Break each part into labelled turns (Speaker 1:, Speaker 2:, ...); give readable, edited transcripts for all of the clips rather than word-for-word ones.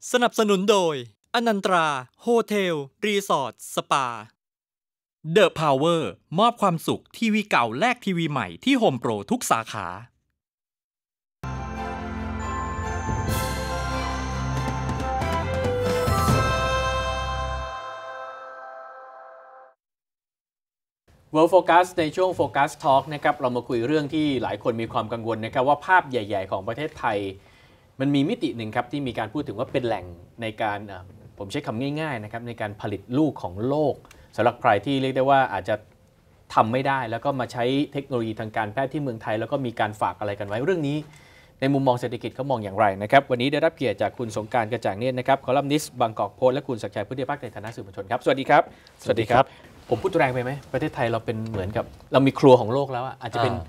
Speaker 1: สนับสนุนโดยอนันตราโฮเทลรีสอร์ทสปา The Power มอบความสุขทีวีเก่าแลกทีวีใหม่ที่โฮมโปรทุกสาขา
Speaker 2: World Focus ในช่วง Focus Talk นะครับเรามาคุยเรื่องที่หลายคนมีความกังวลนะครับว่าภาพใหญ่ๆของประเทศไทยมันมีมิติหนึ่งครับที่มีการพูดถึงว่าเป็นแหล่งในการผมใช้คำง่ายๆนะครับในการผลิตลูกของโลกสำหรับใครที่เรียกได้ว่าอาจจะทำไม่ได้แล้วก็มาใช้เทคโนโลยีทางการแพทย์ที่เมืองไทยแล้วก็มีการฝากอะไรกันไว้เรื่องนี้ในมุมมองเศรษฐกิจเขามองอย่างไรนะครับวันนี้ได้รับเกียรติจากคุณสงกรานต์กระจ่างเนตรนะครับคอลัมนิสต์บางกอกโพสต์และคุณศักดิ์ชัยพุทธิภาคในฐานะสื่อมวลชนครับสวัสดีครับสวัสดีครับผมพูดแรงไปไหมประเทศไทยเราเป็นเหมือนกับเรามีครัวของโลกแล้วอาจจะเป็น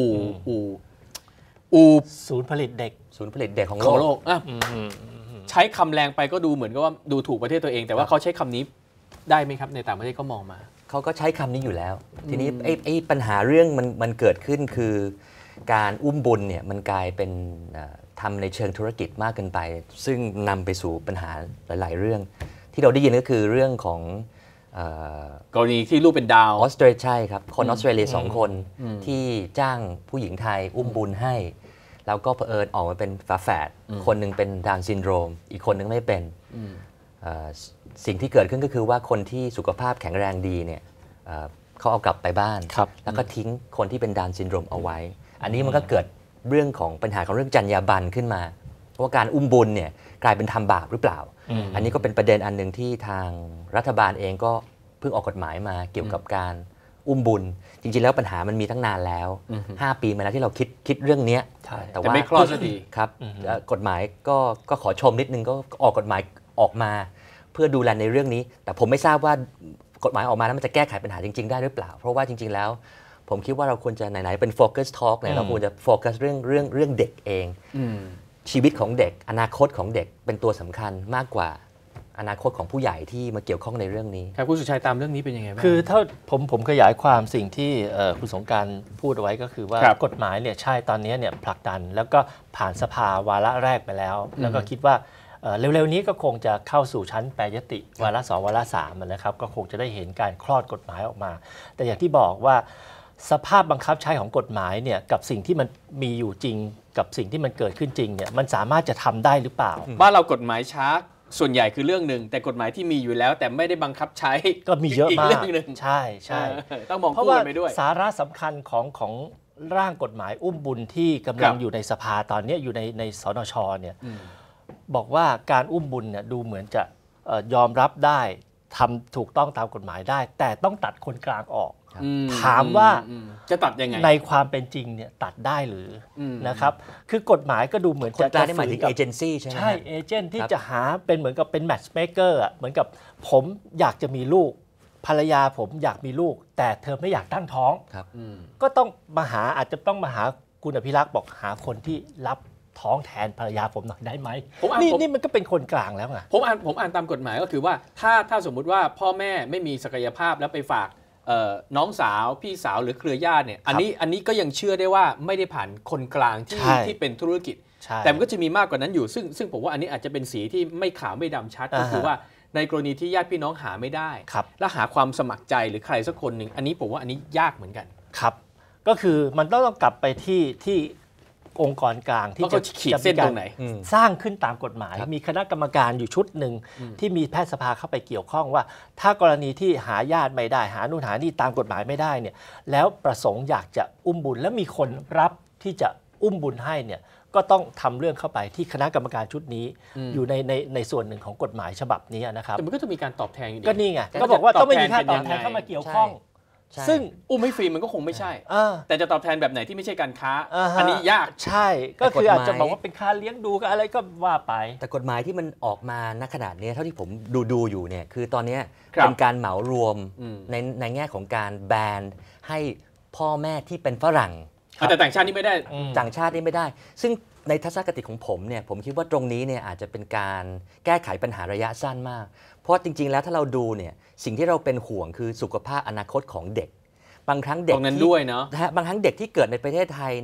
Speaker 3: ศูนย์ผลิตเด็กของ
Speaker 2: โลกใช้คำแรงไปก็ดูเหมือนกับว่าดูถูกประเทศตัวเองแต่ว่าเขาใช้คำนี้ได้ไหมครับในต่างประเทศก็มองมา
Speaker 3: เขาก็ใช้คำนี้อยู่แล้วทีนี้ไอ้ปัญหาเรื่องมันเกิดขึ้นคือการอุ้มบุญเนี่ยมันกลายเป็นทำในเชิงธุรกิจมากเกินไปซึ่งนำไปสู่ปัญหาหลายๆเรื่องที่เราได้ยินก็คือเรื่องของ
Speaker 2: กรณีที่ลูกเป็นดาว
Speaker 3: ออสเตรเลียใช่ครับคนออสเตรเลีย2 คนที่จ้างผู้หญิงไทยอุ้มบุญให้แล้วก็เผอิญออกมาเป็นฝาแฝดคนหนึ่งเป็นดาวน์ซินโดรมอีกคนหนึ่งไม่เป็นสิ่งที่เกิดขึ้นก็คือว่าคนที่สุขภาพแข็งแรงดีเนี่ยเขาเอากลับไปบ้านแล้วก็ทิ้งคนที่เป็นดาวน์ซินโดรมเอาไว้อันนี้มันก็เกิดเรื่องของปัญหาของเรื่องจรรยาบรรณขึ้นมาว่าการอุ้มบุญเนี่ยกลายเป็นทำบาปหรือเปล่าอันนี้ก็เป็นประเด็นอันหนึ่งที่ทางรัฐบาลเองก็เพิ่งออกกฎหมายมาเกี่ยวกับการอุ้มบุญจริงๆแล้วปัญหามันมีตั้งนานแล้ว5 ปีมาแล้วที่เราคิดเรื่องนี้
Speaker 2: แต่ว่าไม่คลอดสักที
Speaker 3: ครับกฎหมายก็ขอชมนิดนึงก็ออกกฎหมายออกมาเพื่อดูแลในเรื่องนี้แต่ผมไม่ทราบว่ากฎหมายออกมาแล้วมันจะแก้ไขปัญหาจริงๆได้หรือเปล่าเพราะว่าจริงๆแล้วผมคิดว่าเราควรจะไหนๆเป็น Focus Talk เนี่ยเราควรจะโฟกัสเรื่องเด็กเองชีวิตของเด็กอนาคตของเด็กเป็นตัวสำคัญมากกว่าอนาคตของผู้ใหญ่ที่มาเกี่ยวข้องในเรื่องนี้
Speaker 2: ครับคุณสุชัยตามเรื่องนี้เป็นยังไงบ้าง
Speaker 4: คือถ้าผมขยายความสิ่งที่คุณสงกรานต์พูดเอาไว้ก็คือว่ากฎหมายเนี่ยใช่ตอนนี้เนี่ยผลักดันแล้วก็ผ่านสภาวาระแรกไปแล้วแล้วก็คิดว่าเร็วๆนี้ก็คงจะเข้าสู่ชั้นแปรยติวาระ2วาระ3นะครับก็คงจะได้เห็นการคลอดกฎหมายออกมาแต่อย่างที่บอกว่าสภาพบังคับใช้ของกฎหมายเนี่ยกับสิ่งที่มันมีอยู่จริงกับสิ่งที่มันเกิดขึ้นจริงเนี่ยมันสามารถจะทำได้หรือเปล่า
Speaker 2: บ้านเรากฎหมายช้าส่วนใหญ่คือเรื่องหนึ่งแต่กฎหมายที่มีอยู่แล้วแต่ไม่ได้บังคับใช้
Speaker 4: ก็มีเยอะมากใช่
Speaker 2: ต้องมองคู่ไปด้วย
Speaker 4: สาระสำคัญของร่างกฎหมายอุ้มบุญที่กำลังอยู่ในสภาตอนนี้อยู่ในสนช.เนี่ยบอกว่าการอุ้มบุญเนี่ยดูเหมือนจะยอมรับได้ทำถูกต้องตามกฎหมายได้แต่ต้องตัดคนกลางออกถามว่า
Speaker 2: จะตัดยังไง
Speaker 4: ในความเป็นจริงเนี่ยตัดได้หรือนะครับคือกฎหมายก็ดูเหมือน
Speaker 3: จะหมายถึงเอเจนซี่ใช่ไหม
Speaker 4: ใช่เอเจนต์ที่จะหาเป็นเหมือนกับเป็นแมทช์เมคเกอร์เหมือนกับผมอยากจะมีลูกภรรยาผมอยากมีลูกแต่เธอไม่อยากตั้งท้องก็ต้องอาจจะต้องมาหาคุณอภิรักษ์บอกหาคนที่รับท้องแทนภรรยาผมหน่อยได้ไหมนี่มันก็เป็นคนกลางแล้วไง
Speaker 2: ผมอ่านตามกฎหมายก็คือว่าถ้าสมมุติว่าพ่อแม่ไม่มีศักยภาพแล้วไปฝากน้องสาวพี่สาวหรือเครือญาติเนี่ยอันนี้ก็ยังเชื่อได้ว่าไม่ได้ผ่านคนกลางที่เป็นธุรกิจแต่มันก็จะมีมากกว่านั้นอยู่ซึ่งผมว่าอันนี้อาจจะเป็นสีที่ไม่ขาวไม่ดำชัดก็คือว่าในกรณีที่ญาติพี่น้องหาไม่ได้และหาความสมัครใจหรือใครสักคนหนึ่งอันนี้ผมว่าอันนี้ยากเหมือนกัน
Speaker 4: ครับก็คือมันต้องกลับไปที่องค์กรกลางที่จะ
Speaker 2: ขีดเส้นตรงไหน
Speaker 4: สร้างขึ้นตามกฎหมายมีคณะกรรมการอยู่ชุดหนึ่งที่มีแพทยสภาเข้าไปเกี่ยวข้องว่าถ้ากรณีที่หาญาติไม่ได้หานู่นหานี่ตามกฎหมายไม่ได้เนี่ยแล้วประสงค์อยากจะอุ้มบุญแล้วมีคนรับที่จะอุ้มบุญให้เนี่ยก็ต้องทำเรื่องเข้าไปที่คณะกรรมการชุดนี้อยู่ในส่วนหนึ่งของกฎหมายฉบับนี้นะครับ
Speaker 2: แต่มันก็จะมีการตอบแทนอยู่ดี
Speaker 4: ก็นี่ไงก็บอกว่าต้องไม่มีค่าตอบแทนเข้ามาเกี่ยวข้อง
Speaker 2: ซึ่งอุ้มให้ฟรีมันก็คงไม่ใช่แต่จะตอบแทนแบบไหนที่ไม่ใช่การค้าอันนี้ยาก
Speaker 4: ใช่ก็คืออาจจะบอกว่าเป็นค่าเลี้ยงดูกับอะไรก็ว่าไป
Speaker 3: แต่กฎหมายที่มันออกมาณขนาดนี้เท่าที่ผมดูอยู่เนี่ยคือตอนนี้เป็นการเหมารวมในแง่ของการแบนให้พ่อแม่ที่เป็นฝรั่ง
Speaker 2: แต่ต่างชาตินี่ไม่ได้
Speaker 3: ต่างชาตินี่ไม่ได้ซึ่งในทัศนคติของผมเนี่ยผมคิดว่าตรงนี้เนี่ยอาจจะเป็นการแก้ไขปัญหาระยะสั้นมากเพราะจริงๆแล้วถ้าเราดูเนี่ยสิ่งที่เราเป็นห่วงคือสุขภาพอนาคตของเด็กบางครั้งเด็ก
Speaker 2: ตรงนั้นด้วยเนาะ
Speaker 3: บางครั้งเด็กที่เกิดในประเทศไทยเนี่ย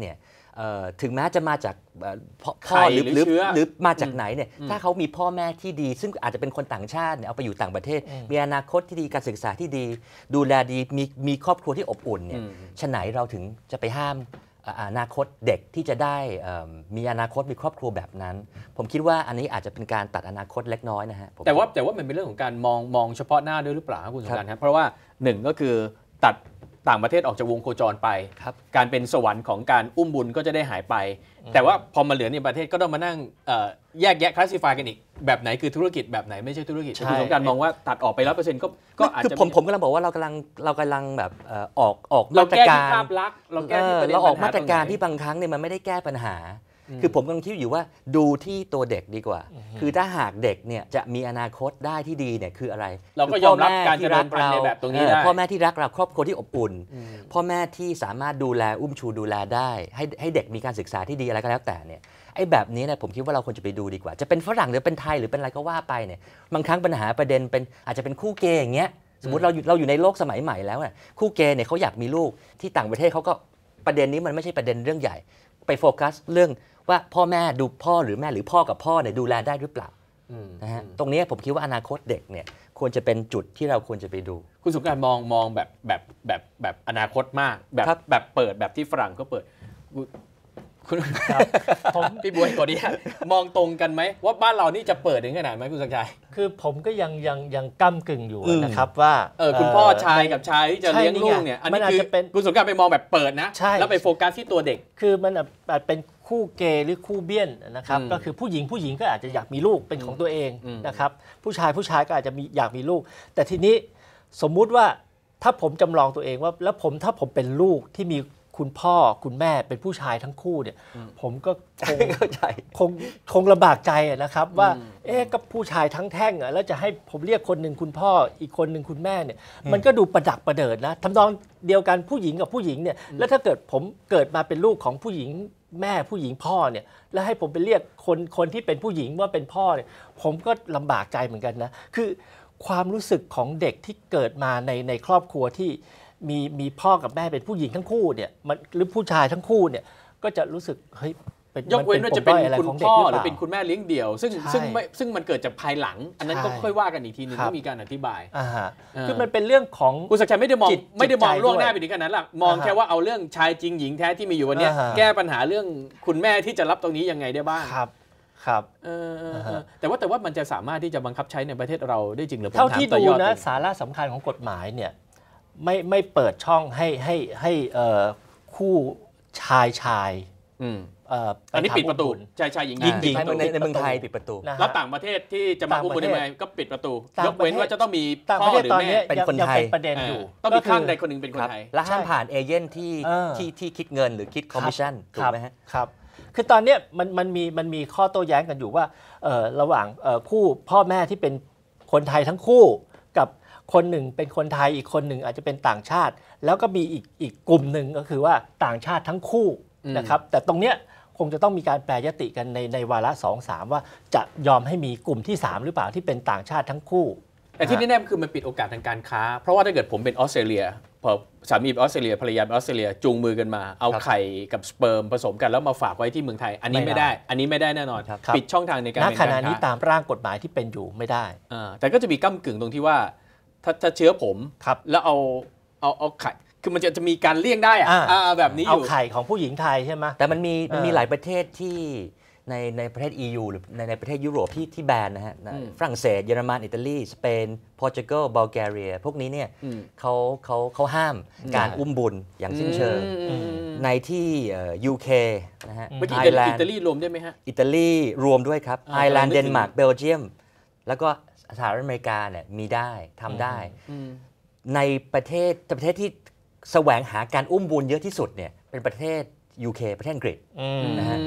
Speaker 3: ถึงแม้จะมาจากพ่อหรือมาจากไหนเนี่ยถ้าเขามีพ่อแม่ที่ดีซึ่งอาจจะเป็นคนต่างชาติเนี่ยเอาไปอยู่ต่างประเทศมีอนาคตที่ดีการศึกษาที่ดีดูแลดีมีครอบครัวที่อบอุ่นเนี่ยฉะไหนเราถึงจะไปห้ามอนาคตเด็กที่จะได้มีอนาคตมีครอบครัวแบบนั้นผมคิดว่าอันนี้อาจจะเป็นการตัดอนาคตเล็กน้อยนะฮะ
Speaker 2: แต่ว่ามันเป็นเรื่องของการมองเฉพาะหน้าด้วยหรือเปล่าครับคุณสงกรานต์ครับเพราะว่าหนึ่งก็คือตัดต่างประเทศออกจากวงโคจรไปการเป็นสวรรค์ของการอุ้มบุญก็จะได้หายไปแต่ว่าพอมาเหลือในประเทศก็ต้องมานั่งแยกแยะคลาสสิฟายกันอีกแบบไหนคือธุรกิจแบบไหนไม่ใช่ธุรกิจคุณสงกรานต์มองว่าตัดออกไป 100% ก็อาจจะ
Speaker 3: ผมกำลังบอกว่าเรากำลังแบบออกมาตรการ
Speaker 2: ภาพลักษณ์เราแก้ที่ประเด็น
Speaker 3: เราออกมาตรการที่บางครั้งเนี่ยมันไม่ได้แก้ปัญหาคือผมกำลังคิดอยู่ว่าดูที่ตัวเด็กดีกว่าคือถ้าหากเด็กเนี่ยจะมีอนาคตได้ที่ดีเนี่ยคืออะไร
Speaker 2: เราก็ยอมรับการเจริญพันธุ์ในแบบตรงนี้ได้
Speaker 3: พ่อแม่ที่รักเราครอบครัวที่อบอุ่นพ่อแม่ที่สามารถดูแลอุ้มชูดูแลได้ให้เด็กมีการศึกษาที่ดีอะไรก็แล้วแต่เนี่ยไอ้แบบนี้เนี่ยผมคิดว่าเราควรจะไปดูดีกว่าจะเป็นฝรั่งหรือเป็นไทยหรือเป็นอะไรก็ว่าไปเนี่ยบางครั้งปัญหาประเด็นเป็นอาจจะเป็นคู่เกย์อย่างเงี้ยสมมติเราอยู่ในโลกสมัยใหม่แล้วเนี่ยคู่เกย์เนี่ยเขาอยากมีลูกที่ต่างประเทศเขาก็ประเด็นนี้มันไม่ใช่ประเด็นเรื่องใหญ่ไปโฟกัสเรื่องว่าพ่อแม่ดูพ่อหรือแม่หรือพ่อกับพ่อเนี่ยดูแลได้หรือเปล่านะฮะตรงนี้ผมคิดว่าอนาคตเด็กเนี่ยควรจะเป็นจุดที่เราควรจะไปดู
Speaker 2: คุณสงกรานต์มองแบบอนาคตมากแบบเปิดแบบที่ฝรั่งก็เปิดคุณพี่บัวก่อนนี้มองตรงกันไหมว่าบ้านเรานี่จะเปิดถึงขนาดไหมคุณสักชัย
Speaker 4: คือผมก็ยังก้ำกึ่งอยู่นะครับว่า
Speaker 2: คุณพ่อชายกับชายที่จะเลี้ยงลูกเนี่ยอันนี้คือคุณสงกรานต์ไปมองแบบเปิดนะแล้วไปโฟกัสที่ตัวเด็ก
Speaker 4: คือมันอาจเป็นคู่เกย์หรือคู่เบี้ยนนะครับก็คือผู้หญิงก็อาจจะอยากมีลูกเป็นของตัวเองนะครับผู้ชายก็อาจจะอยากมีลูกแต่ทีนี้สมมุติว่าถ้าผมจำลองตัวเองว่าแล้วถ้าผมเป็นลูกที่มีคุณพ่อคุณแม่เป็นผู้ชายทั้งคู่เนี่ยผมก็คงลำบากใจนะครับว่ากับผู้ชายทั้งแท่งแล้วจะให้ผมเรียกคนหนึ่งคุณพ่ออีกคนหนึ่งคุณแม่เนี่ยมันก็ดูประดักประเดิดนะทำนองเดียวกันผู้หญิงกับผู้หญิงเนี่ยแล้วถ้าเกิดผมเกิดมาเป็นลูกของผู้หญิงแม่ผู้หญิงพ่อเนี่ยแล้วให้ผมไปเรียกคนที่เป็นผู้หญิงว่าเป็นพ่อเนี่ยผมก็ลำบากใจเหมือนกันนะคือความรู้สึกของเด็กที่เกิดมาในครอบครัวที่มีพ่อกับแม่เป็นผู้หญิงทั้งคู่เนี่ยหรือผู้ชายทั้งคู่เนี่ยก็จะรู้สึกเฮ้ย
Speaker 2: ยกเว้นว่าจะเป็นคุณพ่อหรือเป็นคุณแม่เลี้ยงเดี่ยวซึ่งมันเกิดจากภายหลังอันนั้นก็ค่อยว่ากันอีกทีนึงก็มีการอธิบาย
Speaker 4: คือมันเป็นเรื่องของ
Speaker 2: คุณศักดิ์ชัยไม่ได้มองล่วงหน้าไปถึงขนาดนั้นหรอกมองแค่ว่าเอาเรื่องชายจริงหญิงแท้ที่มีอยู่วันนี้แก้ปัญหาเรื่องคุณแม่ที่จะรับตรงนี้ยังไงได้บ้าง
Speaker 4: ครับ
Speaker 2: แต่ว่ามันจะสามารถที่จะบังคับใช้ในประเทศเราได้จริงหรือ
Speaker 4: เท่าที่ดูนะสาระสำคัญของกฎหมายเนี่ยไม่เปิดช่องให้คู่ชาย
Speaker 2: อันนี้ปิดประตูชายหญิง
Speaker 3: ในเมืองไทยปิดประตู
Speaker 2: แล้วต่างประเทศที่จะมาอุ้มบุญได้ไหมก็ปิดประตูยกเว้นว่าจะต้องมีพ่อหรือแม่
Speaker 3: เป็นคนไทย
Speaker 4: ประเด็นอยู่
Speaker 2: ต้องมีข้างใดคนหนึ่งเป็นคนไทย
Speaker 3: และห้ามผ่านเอเจนต์ที่คิดเงินหรือคิดคอมมิชชั่นถูกไหมฮะ
Speaker 4: ครับคือตอนนี้มันมีข้อโต้แย้งกันอยู่ว่าระหว่างคู่พ่อแม่ที่เป็นคนไทยทั้งคู่กับคนหนึ่งเป็นคนไทยอีกคนหนึ่งอาจจะเป็นต่างชาติแล้วก็มีอีกกลุ่มหนึ่งก็คือว่าต่างชาติทั้งคู่นะครับแต่ตรงเนี้ยคงจะต้องมีการแปรยติกันในวาระ 2-3 ว่าจะยอมให้มีกลุ่มที่3หรือเปล่าที่เป็นต่างชาติทั้งคู่
Speaker 2: แต่ที่แน่ๆคือมันปิดโอกาสทางการค้าเพราะว่าถ้าเกิดผมเป็นออสเตรเลียพอสามีเป็นออสเตรเลียภรรยาเป็นออสเตรเลียจูงมือกันมาเอาไข่กับสเปิร์มผสมกันแล้วมาฝากไว้ที่เมืองไทยอันนี้ไม่ได้แน่นอนปิดช่องทางในการ
Speaker 4: ณขณะนี้ตามร่างกฎหมายที่เป็นอยู่ไม่ได้
Speaker 2: แต่ก็จะมีก้ำกึ่งตรงที่ว่าถ้าเชื้อผมแล้วเอาไข่คือมันจะมีการเลี่ยงได้แบบนี้อยู่
Speaker 4: เอาไข่ของผู้หญิงไทยใช่ไหม
Speaker 3: แต่มันมีหลายประเทศที่ในประเทศ EU หรือในประเทศยุโรปที่แบนนะฮะฝรั่งเศสเยอรมันอิตาลีสเปนโปรตุเกสบัลแกเรียพวกนี้เนี่ยเขาห้ามการอุ้มบุญอย่างสิ้นเชิงในที่ UK นะฮะ
Speaker 2: อิตาลีรวมได้ไหมฮะ
Speaker 3: อิตาลีรวมด้วยครับไอร์แลนด์เดนมาร์กเบลเยียมแล้วก็สหรัฐอเมริกาเนี่ยมีได้ทำได้ในประเทศที่แสวงหาการอุ้มบุญเยอะที่สุดเนี่ยเป็นประเทศ UK ประเทศอังกฤษนะฮะ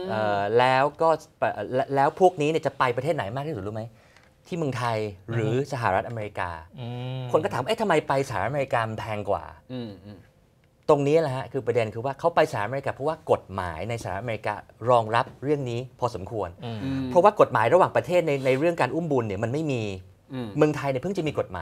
Speaker 3: แล้วพวกนี้เนี่ยจะไปประเทศไหนมากที่สุดรู้ไหมที่เมืองไทยหรือสหรัฐอเมริกาคนก็ถามทำไมไปสหรัฐอเมริกามันแพงกว่าตรงนี้แหละฮะคือประเด็นคือว่าเขาไปสหรัฐอเมริกาเพราะว่ากฎหมายในสหรัฐอเมริการองรับเรื่องนี้พอสมควรเพราะว่ากฎหมายระหว่างประเทศในเรื่องการอุ้มบุญเนี่ยมันไม่มีเมืองไทยเนี่ยเพิ่งจะมีกฎหมาย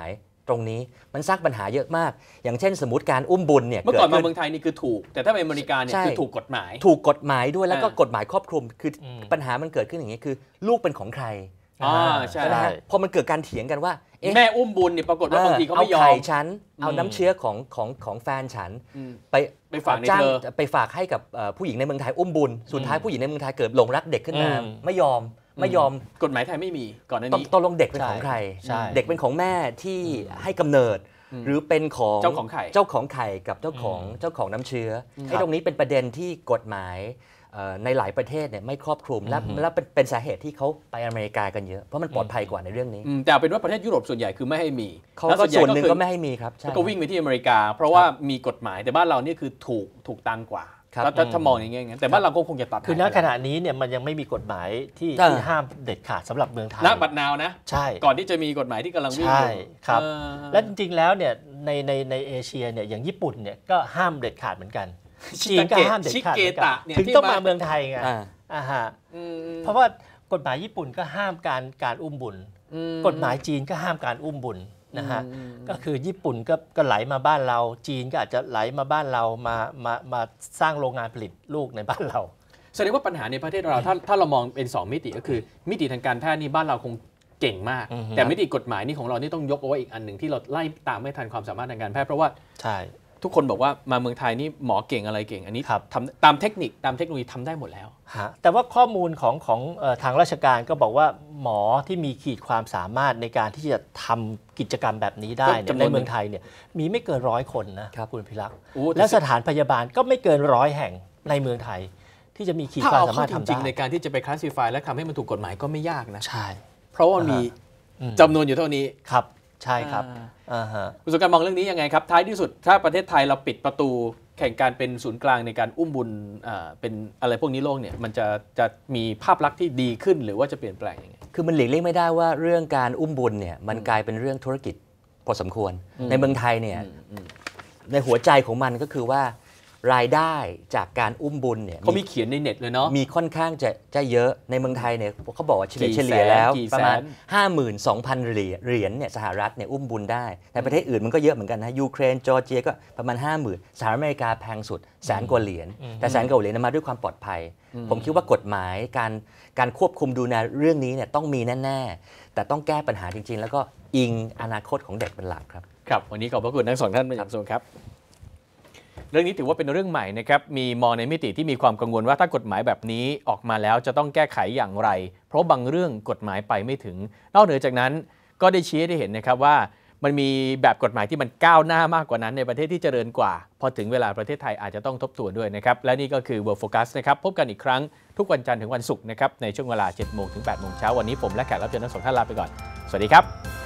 Speaker 3: ตรงนี้มันสร้างปัญหาเยอะมาก อย่างเช่นสมมติการอุ้มบุญเนี่ย
Speaker 2: เมื่อก่อนมาเมืองไทยนี่คือถูกแต่ถ้าเป็นอเมริกาเนี่ยคือถูกกฎหมาย
Speaker 3: ด้วยแล้วก็กฎหมายครอบคลุมคือปัญหามันเกิดขึ้นอย่างนี้คือลูกเป็นของใคร
Speaker 2: ใช่
Speaker 3: พอมันเกิดการเถียงกันว่า
Speaker 2: แม่อุ้มบุญเนี่ยปรากฏว่าบางทีเขาไม่ยอม
Speaker 3: เอาไข่ฉันเอาน้ำเชื้อของแฟนฉัน
Speaker 2: ไปฝากในเธอ
Speaker 3: ไปฝากให้กับผู้หญิงในเมืองไทยอุ้มบุญสุดท้ายผู้หญิงในเมืองไทยเกิดหลงรักเด็กขึ้นมาไม่ยอม
Speaker 2: กฎหมายไทยไม่มีก่อนหน้านี้
Speaker 3: ตกลงเด็กเป็นของใครเด็กเป็นของแม่ที่ให้กำเนิดหรือเป็นของ
Speaker 2: เจ้าของไ
Speaker 3: ข่กับเจ้าของน้ำเชื้อไอ้ตรงนี้เป็นประเด็นที่กฎหมายในหลายประเทศเนี่ยไม่ครอบคลุมและเป็นสาเหตุที่เขาไปอเมริกากันเยอะเพราะมันปลอดภัยกว่าในเรื่องนี้
Speaker 2: แต่เป็นว่าประเทศยุโรปส่วนใหญ่คือไม่ให้มี
Speaker 3: เขาก็ส่วนหนึ่งก็ไม่ให้มีครับ
Speaker 2: ก็วิ่งไปที่อเมริกาเพราะว่ามีกฎหมายแต่บ้านเรานี่คือถูกตังกว่าถ้ามองอย่างเงี้ยแต่บ้านเราก็คงจะตัด
Speaker 4: คือณขณะนี้เนี่ยมันยังไม่มีกฎหมายที่ห้ามเด็ดขาดสำหรับเมืองไทย
Speaker 2: ณบัดนาวนะ
Speaker 4: ใช่
Speaker 2: ก่อนที่จะมีกฎหมายที่กำลังวิ่ง
Speaker 4: ใช่ครับและจริงๆแล้วเนี่ยในเอเชียเนี่ยอย่างญี่ปุ่นเนี่ยก็ห้ามเด็ดขาดเหมือนกันจีนก็ห้ามเด็ดขาดเหมือนกันถึงต้องมาเมืองไทยไงเพราะว่ากฎหมายญี่ปุ่นก็ห้ามการอุ้มบุญกฎหมายจีนก็ห้ามการอุ้มบุญนะฮะก็คือญี่ปุ่นก็ไหลมาบ้านเราจีนก็อาจจะไหลมาบ้านเรามาสร้างโรงงานผลิตลูกในบ้านเรา
Speaker 2: แสดงว่าปัญหาในประเทศเราถ้าเรามองเป็น2มิติก็คือมิติทางการแพทย์นี่บ้านเราคงเก่งมากแต่มิติกฎหมายนี่ของเรานี่ต้องยกเอาไว้อีกอันหนึ่งที่เราไล่ตามไม่ทันความสามารถทางการแพทย์เพราะว่า
Speaker 4: ใช่
Speaker 2: ทุกคนบอกว่ามาเมืองไทยนี่หมอเก่งอะไรเก่งอันนี้ทำตามเทคนิคตามเทคโนโลยีทำได้หมดแล้ว
Speaker 4: แต่ว่าข้อมูลของทางราชการก็บอกว่าหมอที่มีขีดความสามารถในการที่จะทำกิจกรรมแบบนี้ได้ในเมืองไทยเนี่ยมีไม่เกิน100 คนนะคุณพิรักษ์และสถานพยาบาลก็ไม่เกิน100 แห่งในเมืองไทยที่จะมีขีดความสามารถทำได้
Speaker 2: จริงๆในการที่จะไปคลาสสิฟายและทำให้มันถูกกฎหมายก็ไม่ยากนะ
Speaker 4: ใช่
Speaker 2: เพราะว่ามีจำนวนอยู่เท่านี้
Speaker 4: ครับใช่ครับ
Speaker 2: คุณสุการมองเรื่องนี้ยังไงครับท้ายที่สุดถ้าประเทศไทยเราปิดประตูแข่งการเป็นศูนย์กลางในการอุ้มบุญเป็นอะไรพวกนี้โลกเนี่ยมันจะมีภาพลักษณ์ที่ดีขึ้นหรือว่าจะเปลี่ยนแปลงยังไง
Speaker 3: คือมันหลีกเลี่ยงไม่ได้ว่าเรื่องการอุ้มบุญเนี่ยมันกลายเป็นเรื่องธุรกิจพอสมควรในเมืองไทยเนี่ยในหัวใจของมันก็คือว่ารายได้จากการอุ้มบุญเนี่ย
Speaker 2: เขามีเขียนในเน็ตเลยเนาะ
Speaker 3: มีค่อนข้างจะเยอะในเมืองไทยเนี่ยเขาบอกว่าเฉลี่ยแล้วประมาณ 52,000 เหรียญเนี่ยสหรัฐเนี่ยอุ้มบุญได้แต่ประเทศอื่นมันก็เยอะเหมือนกันนะยูเครนจอร์เจียก็ประมาณ 50,000 สหรัฐอเมริกาแพงสุด100,000 กว่าเหรียญแต่100,000 กว่าเหรียญมาด้วยความปลอดภัยผมคิดว่ากฎหมายการควบคุมดูแลเรื่องนี้เนี่ยต้องมีแน่ๆแต่ต้องแก้ปัญหาจริงๆแล้วก็อิงอนาคตของเด็กเป็นหลักครับ
Speaker 2: ครับวันนี้ขอบพระคุณทั้งสองท่านเป็นอย่างสูงครับเรื่องนี้ถือว่าเป็นเรื่องใหม่นะครับมีมองในมิติที่มีความกังวลว่าถ้ากฎหมายแบบนี้ออกมาแล้วจะต้องแก้ไขอย่างไรเพราะบางเรื่องกฎหมายไปไม่ถึงนอกเหนือจากนั้นก็ได้ชี้ให้เห็นนะครับว่ามันมีแบบกฎหมายที่มันก้าวหน้ามากกว่านั้นในประเทศที่เจริญกว่าพอถึงเวลาประเทศไทยอาจจะต้องทบทวนด้วยนะครับและนี่ก็คือ World Focus นะครับพบกันอีกครั้งทุกวันจันทร์ถึงวันศุกร์นะครับในช่วงเวลา 7 โมงถึง 8 โมงเช้าวันนี้ผมและแขกรับเชิญทั้งสองท่านลาไปก่อนสวัสดีครับ